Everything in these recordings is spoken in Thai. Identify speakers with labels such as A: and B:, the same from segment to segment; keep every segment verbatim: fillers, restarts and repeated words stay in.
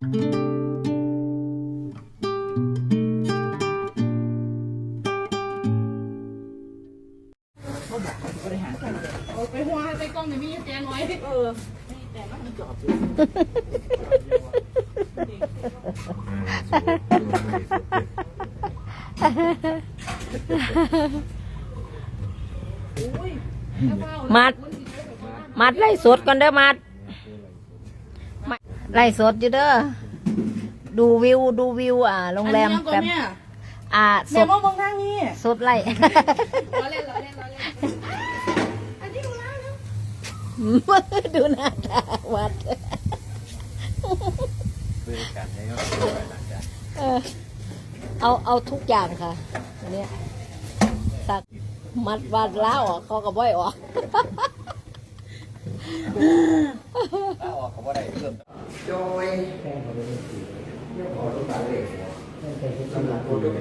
A: ไปหัวไปกล้องในมีแจงไว้เออแต่ก็มันจอบอยู่
B: มัดมัดไล่สดก่อนเด้อมัดไล่สดอยู่เด้อดูวิวดูวิวอ่าโรงแรมแบบอ่าสดมองทางนี้สดไล่ล้อเล่นล้อเล่นล้อเล่นอันนี้ดูหน้าแล้วดูหน้าตาวัดบริการให้เขาเออเอาเอาทุกอย่างค่ะอันนี้สักมัดวัดล้าออกเขาก็บ่อยออก
C: ล้าออกเขาบ่ได้เพิ่มโดยแป้งเขาเป็นสีเรื่องของลูกบาเล็กสำหรับโปรตีน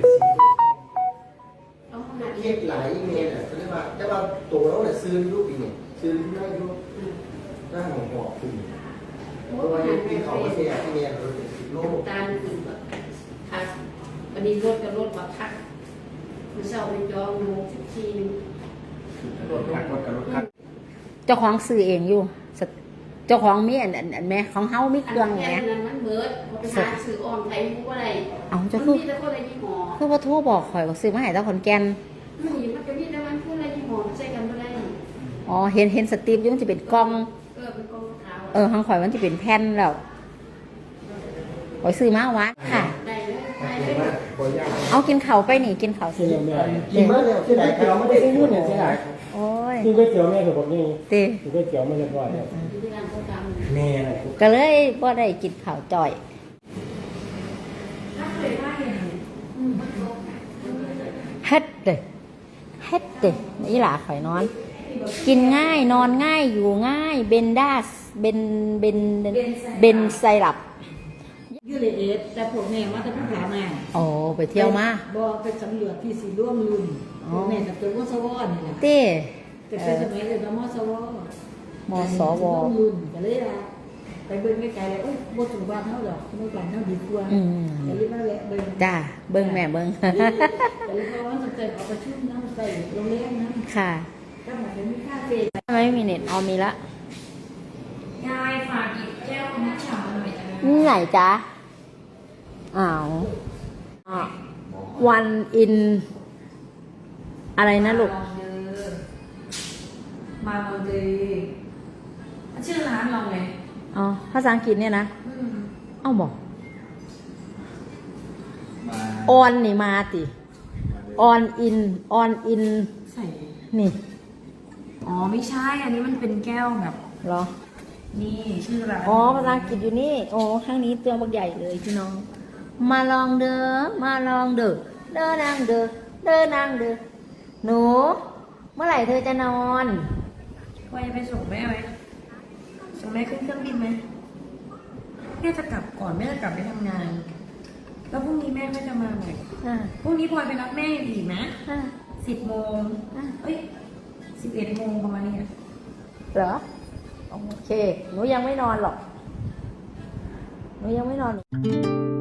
C: เก็บหลายเมลอ่ะเขาเรียกว่าแต่ว่าตัวเราเนี่ยซื้อรูปอีกเนี่ยซื้อได้รูปหน้าหงอกขึ้นเพราะว่าที่เขาไม่ใช่ที่เนี่ยเราเป็นสิบโล
D: ตาลขึ้นแบบคักวันนี้รถกับรถมาคักมันเศร้าไปจองโมงสิบสี่
C: รถคักรถกับรถคัก
B: เจ้าของซื้อเองอยู่เจ้าของมีอันอันแม่ของเฮามีเครื่องแหม
D: มันเบิดไปหาซื้ออ่อนไทยมุกอะไร
B: เอาจะคือคือว่าโทรบอกข่อยว่าซื้อมาให้ตาขอนแก่น
D: มันอยู่มันจะมีแต่มันพูดอะไรยี่ห้อใช้กันไม่ได้
B: อ๋อเห็นเห็นสตีฟยุ่งจะเป็นกล้อง
D: เออเป็นกล้องขาว
B: เออทางข่อยมันจะเป็นแผ่นแล้วข่อยซื้อมาวัดค่ะ
D: ได้เลยได้เลย
B: เอากินเข่าไปนี่กินเข่าสิ
C: กินเมื่อเร็วที่ไหนเราไม่ได้ซื้อเนี่ยที่ไหน
B: โอ้ย
E: กินก๋วยเตี๋ยวแม่กับผมนี่
B: ตี
E: กินก๋วยเตี๋ยวไม่เรียบร้อย
C: แม่อะไร
B: ก็เลยบ่ได้กินข้าวจ่อยเฮ็ดเด้เฮ็ดเด้นี่หล่ะข่อยนอนกินง่ายนอนง่ายอยู่ง่ายเบนด้าเบนเบนเบนไซรัป
A: ยูเลเอสแต่พวกแม่มาแต่ผู้ขามา
B: โอ้ไปเที่ยวมา
A: บ่ไปสำรวจที่สีร่วมรุ่นแม่แต่ตัวมอสวนี่แหละ
B: เต้
A: แต่เป็นสมัยเรียนมอสว
B: มอสว
A: รุ่นก็เลยว่าไปเบิ่งไกลๆเลยเอ้ยบ่ถึงบ้านเฮาดอกบ่บ้านเฮาดีกว่า
B: อืม
A: ก็เลยมาแวะเบิ่ง
B: จ้าเบิ่งแม่เบิ่ง
A: ก็เลยเพราะว่าสนใจเอาประชุมนำใส่โรงแรมนั้น
B: ค่ะ
A: ก็เหมือนมีคาเฟ่
B: ไม่มีเน็ตเอามีละ
D: ยายฝากหยิบแก้วน้ำฉ่ำหน่อยจ้ะ
B: นี่ไหนจ๊ะอ้าววันอินอะไรนะลูก
D: มาลองเดย์ชื่อร้านเราไง
B: อ๋อภาษาอังกฤษเนี่ยนะเอ้าบอกออนนี่มาติออนอินออนอิน
D: ใส่
B: นี่
D: อ๋อไม่ใช่อันนี้มันเป็นแก้วแบบ
B: เหรอ
D: นี่ชื่อร้าน
B: อ๋อภาษาอังกฤษอยู่นี่โอ้ข้างนี้ตัวบักใหญ่เลยพี่น้องมาลองเด้อมาลองเด้อเด้อนางเด้อเด้อนางเด้อหนูเมื่อไหร่เธอจะนอน
D: ว่าจะไปส่งแม่ไหมส่งแม่ขึ้นเครื่องบินไหมแม่จะกลับก่อนแม่จะกลับไปทำงานแล้วพรุ่งนี้แม่ก็จะมาใหม่พรุ่งนี้พลอยไปรับแม่อีกนะสิบโมงเอ้ยสิบเอ็ดโมงประมาณนี้
B: เหรอโอเคหนูยังไม่นอนหรอกหนูยังไม่นอน